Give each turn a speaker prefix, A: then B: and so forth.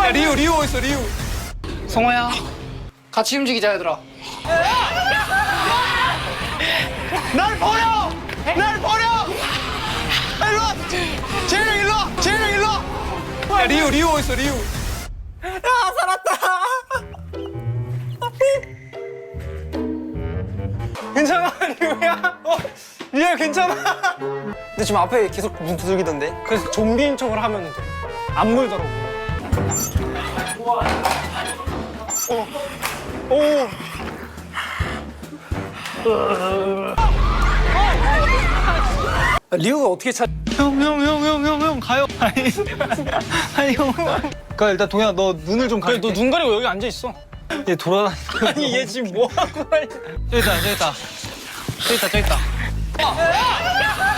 A: 야, 리우 어딨어, 리우.
B: 성호야, 같이 움직이자, 얘들아.
A: 날 버려! 날 버려! 일로 와! 재영 일로 와! 재영 일로 와! 야, 리우 어딨어, 리우. 야, 살았다! 괜찮아, 리우야? 리우야, 괜찮아? 근데 지금 앞에 계속 눈 두들기던데? 그래서 좀비인 척을 하면 돼. 안 물더라고. 오. 리우가 어떻게 찾? 형 가요. 아니 형. 그러니까 일단 동현아 너 눈을 좀 가려. 너 눈 가리고 여기 앉아 있어. 얘 돌아다니. 아니 얘 지금 뭐 하고 저기 있다.